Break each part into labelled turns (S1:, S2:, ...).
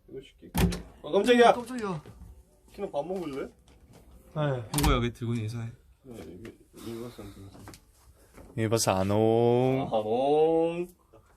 S1: 이거 시킬게. 깜짝이야.
S2: 깜짝이야.
S1: 키노 밥 먹을래?
S3: 네.
S4: 이거 여기 들고 인사해.
S1: 네, 이거선
S3: 이버스 안옹.
S1: 아몽.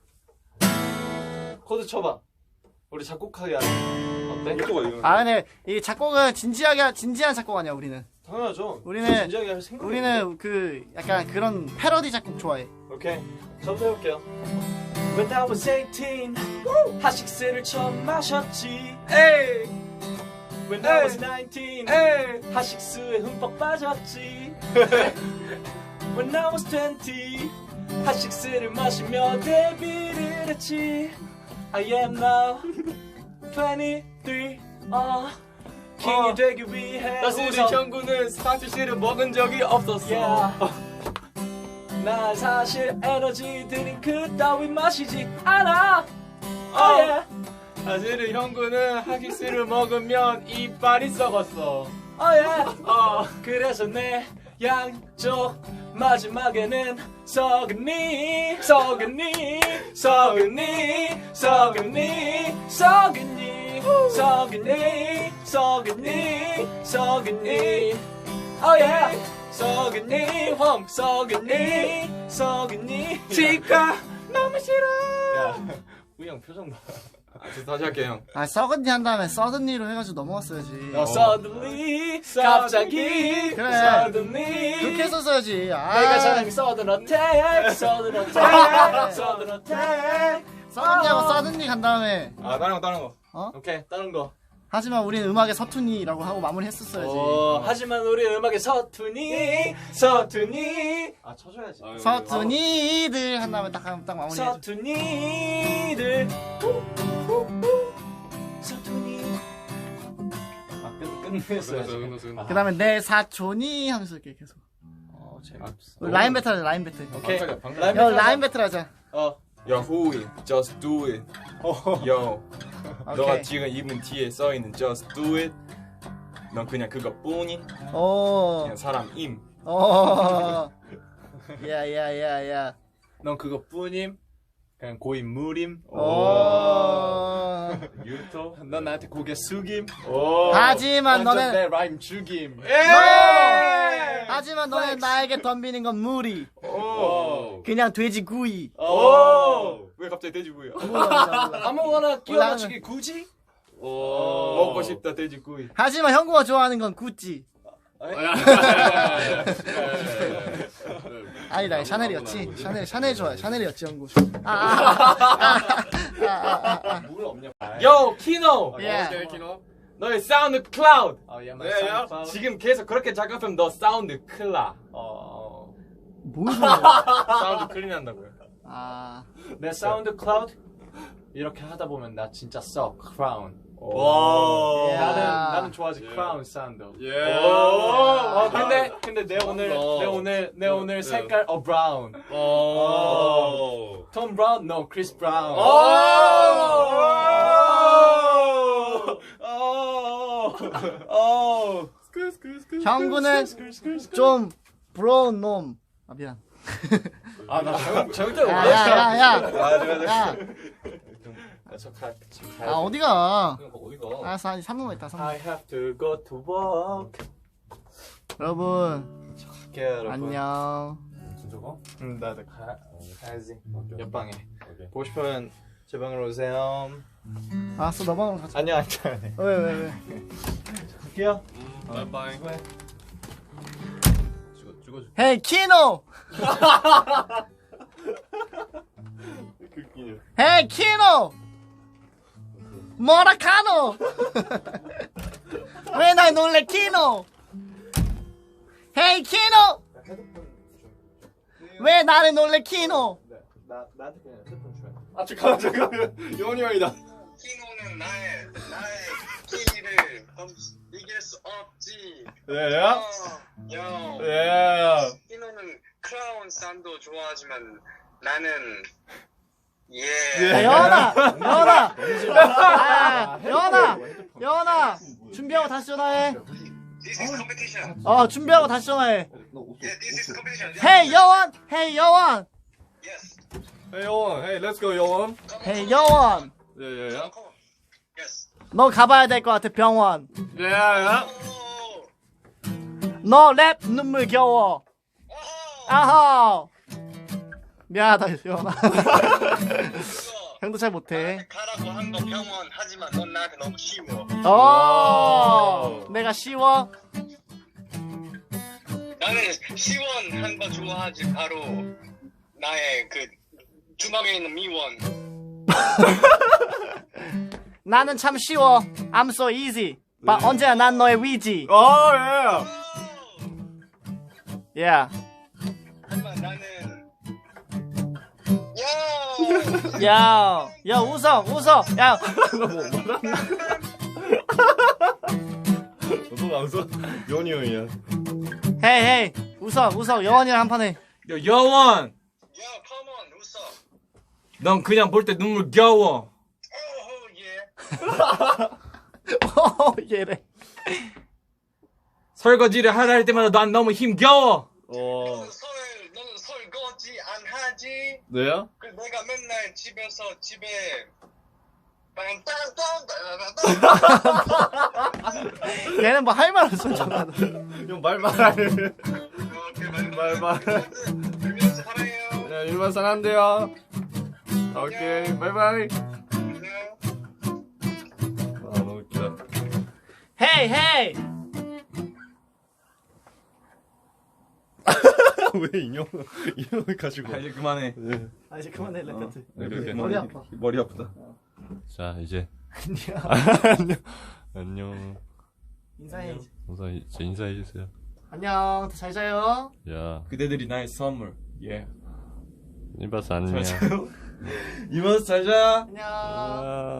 S1: 코드 쳐봐. 우리 작곡하게 하자. 어때?
S2: 아 근데 이 작곡은 진지한 작곡 아니야 우리는.
S1: 당연하죠.
S2: 우리는
S1: 진지하게 할 생각.
S2: 우리는 그 약간 그런 패러디 작곡 좋아해.
S1: 오케이. 저부터 해볼게요. When I was 18, 하식스를 처음 마셨지. 에이. When I was 19, 하식스에 흠뻑 빠졌지. When I was 20, 하식스를 마시며 데뷔를 했지. I am now 23. 킹이 되기 위해
S4: 우리 형구는 스타트씨를 먹은 적이 없었어.
S1: Yeah. 나 사실 에너지 드링크 따위 마시지 않아. yeah.
S4: 사실은 형구는 하기스를 먹으면 이빨이 썩었어.
S1: yeah. 그래서 내 양쪽 마지막에는 썩으니 썩으니 썩으니 썩으니 썩으니 썩으니 썩으니 썩으니 yeah. 썩으니 홈 썩으니 썩으니 치과 너무 싫어. 야 우영 표정 봐.
S4: 저 다시 할게요 형.
S2: 아 썩은니 한 다음에 서든니로 해가지고 넘어갔어야지.
S1: suddenly 갑자기
S2: 그래.
S1: suddenly
S2: 그렇게 했었어야지. 아.
S1: 내가 잘하는 sudden attack sudden attack sudden attack
S2: 서든니하고 서든니 간 다음에
S4: 다른 거.
S1: 오케이 다른 거.
S2: 하지만 우리는 음악에 서툰이라고 하고 마무리했었어야지.
S1: 하지만 우리 음악에 서툰이 서툰이 쳐줘야지.
S2: 서툰이들 한 다음에 딱 마무리해.
S1: 서툰이들 서툰이 끝냈어야지.
S2: 그 다음에 내 사촌이 하면서 이렇게 계속.
S1: 재밌어.
S2: 라인 배틀 하자, 라인 배틀.
S1: 오케이.
S2: 야, 라인 배틀 하자.
S4: Yo, who it? Just do it. Yo, 너가
S2: 오케이.
S4: 지금 입은 뒤에 써있는 Just do it. 넌 그냥 그것뿐인
S2: 오.
S4: 그냥 사람임.
S2: 야야야야.
S4: 넌 그것뿐임. 그냥 고인물임.
S1: 유토.
S4: 넌 나한테 고개 숙임.
S2: 하지만
S1: 완전
S2: 너는
S1: 내 라임 죽임.
S2: 하지만 너는 나에게 덤비는 건 무리. 그냥 돼지 구이.
S4: 왜 갑자기 돼지구이야?
S1: 아무거나 끼워 맞추기 굳이?
S4: 먹고 싶다 돼지구이.
S2: 하지만 형구가 좋아하는 건 구찌. 아니다, 샤넬이었지. 샤넬 좋아해. 샤넬이었지, 형구.
S1: 물 없냐? Yo, 키노.
S2: 예.
S4: 너의 사운드 클라우드.
S1: 네,
S4: 지금 계속 그렇게 작업하면 너 사운드 클라.
S2: 뭘 좋아해?
S4: 사운드 클린 한다고요.
S1: 내 사운드 클라우드 이렇게 하다 보면 나 진짜 썩 크라운.
S4: 와.
S1: 나는 좋아하지 크라운 사운드. 근데 내 오늘 색깔 브라운. 톰 브라운? No, 크리스 브라운.
S2: 형구는 좀 부러운 놈. 미안.
S1: 나 절대 못
S2: 야. 어디가?
S1: 어디가?
S2: 알았어, 한 3분만 있다, 3분.
S1: I have to go to work.
S2: 여러분,
S1: 갈게요, 여러분.
S2: 안녕.
S1: 저거? 나도 가야지. 옆방에. 보고 싶으면 제 방으로 오세요.
S2: 알았어, 너 방으로 가자.
S1: 아니야.
S2: 왜?
S1: 갈게요.
S4: 바이바이.
S2: 헤이, 키노! 헤이, 키노! 모라카노! 왜 날 놀래, 키노! 헤이, 키노! 왜 나를 놀래, 키노!
S1: 나한테 그냥 핸드폰 줘요. 잠깐만.
S4: 요원이 형이다.
S5: 키노는 나의 키를 이길 수 없지.
S1: 야.
S5: 키노는 크라운 산도 좋아하지만 나는
S2: 야, 여원아! 준비하고 다시 전화해.
S5: This is competition.
S2: 준비하고 다시 전화해.
S5: Yeah, this is competition.
S2: 헤이, 여원! 헤이, 여원!
S5: Yes.
S4: Hey 요원, hey let's go 요원.
S2: 헤이, 여원!
S4: Yeah.
S5: Come on. Yes.
S2: 너 가봐야 될 것 같아 병원.
S3: 야.
S5: 오.
S2: 너 랩 눈물 겨워. 아하. 미안하다 여원아. 형도 잘 못해.
S5: 가라고 한 거 병원 하지만 넌 나한테 너무 쉬워.
S2: 내가 쉬워?
S5: 나는 시원한 거 좋아하지. 바로 나의 그 주먹에 있는 미원.
S2: 나는 참 쉬워. I'm so easy. 언제나 난 너의 위지. Yeah.
S5: 하지만 나는
S2: 야, 웃어. 야,
S3: 너도 안 써? 연이 형이야.
S2: 헤이, 웃어. 여원이랑 한판 해.
S4: 야, 여원!
S5: 야, 컴온 웃어.
S4: 넌 그냥 볼 때 눈물 겨워.
S2: 얘래.
S4: 설거지를 하나 할 때마다 난 너무 힘겨워.
S5: 너는 설거지 안 하지?
S3: 너야?
S5: 그 내가 맨날 집에서 집에
S2: 얘는 뭐 할 말 없어 전화도.
S3: 형 말해.
S5: 말. 사랑해요.
S3: 야, 일만 사랑한대요. 오케이, 바이바이. 아, 너무 웃기다.
S2: 헤이.
S3: 왜 인형을 가지고?
S4: 이제 그만해.
S2: 아 이제 그만해 랩
S3: 이렇게.
S2: 머리 아파.
S4: 머리 아프다.
S3: 자, 이제 안녕.
S2: 인사해.
S3: 이제 인사해 주세요.
S2: 안녕. 잘 자요.
S3: 야,
S4: 그대들이 나의 선물. 예.
S3: 이봐서 안녕.
S4: 이모스 잘 자.
S2: 안녕.
S3: 아.